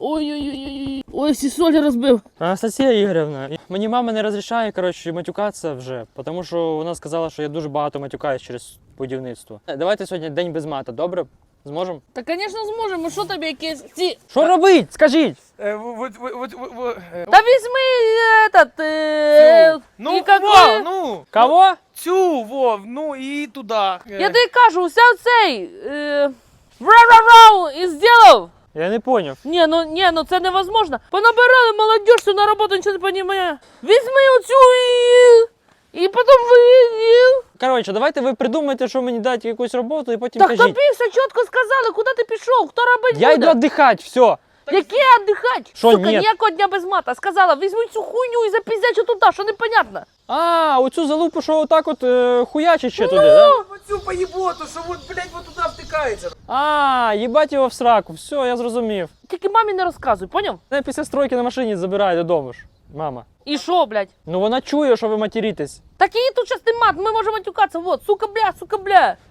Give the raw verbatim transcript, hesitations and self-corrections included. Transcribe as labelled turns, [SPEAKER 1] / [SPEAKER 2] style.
[SPEAKER 1] Ой-ой-ой, ой, всі солі розбив.
[SPEAKER 2] Анастасія Ігорівна, мені мама не розрішає, коротше, матюкатися вже, тому що вона сказала, що я дуже багато матюкаюсь через будівництво. Давайте сьогодні день без мата, добре? Зможемо?
[SPEAKER 1] Та, звісно, зможемо. Що тобі якісь ці...
[SPEAKER 2] Що робить? Скажіть!
[SPEAKER 3] Э, вот, вот, вот, вот, вот, э,
[SPEAKER 1] Та візьми этот... Е...
[SPEAKER 3] Тю. Ну,
[SPEAKER 1] і какой...
[SPEAKER 3] Вов, ну!
[SPEAKER 2] Кого?
[SPEAKER 3] Тю, Вов, ну і туди.
[SPEAKER 1] Я тобі кажу, уся цей... Е... Ра-ра-рау! І зробив.
[SPEAKER 2] Я не поняв.
[SPEAKER 1] Ні, ну, ні, ну це невозможно. Понабирали молодежь, що на роботу нічого не розуміє. Візьми оцю і... І потім ви...
[SPEAKER 2] Коротше, давайте ви придумайте, що мені дати якусь роботу і потім
[SPEAKER 1] Так
[SPEAKER 2] кажіть.
[SPEAKER 1] тобі все чітко сказали, куди ти пішов, хто робить
[SPEAKER 2] Я
[SPEAKER 1] буде.
[SPEAKER 2] йду віддихати, все.
[SPEAKER 1] Яке віддихати?
[SPEAKER 2] Що,
[SPEAKER 1] Сука,
[SPEAKER 2] ні?
[SPEAKER 1] ніякого дня без мата. Сказала, візьми цю хуйню і запіздячу туди, що непонятно.
[SPEAKER 2] А, оцю залупу, що отак от е, хуячить ще туди, да?
[SPEAKER 3] Оцю поїботу, що от, блядь, вот туди втикається.
[SPEAKER 2] А, їбать його в сраку, все, я зрозумів.
[SPEAKER 1] Тільки мамі не розказуй, поняв?
[SPEAKER 2] Мене після стройки на машині забирає додому ж, мама.
[SPEAKER 1] І що, блядь?
[SPEAKER 2] Ну вона чує, що ви материтесь.
[SPEAKER 1] Так її тут щас не мат, ми можемо матюкатися, вот, сука, бля, сука, бля.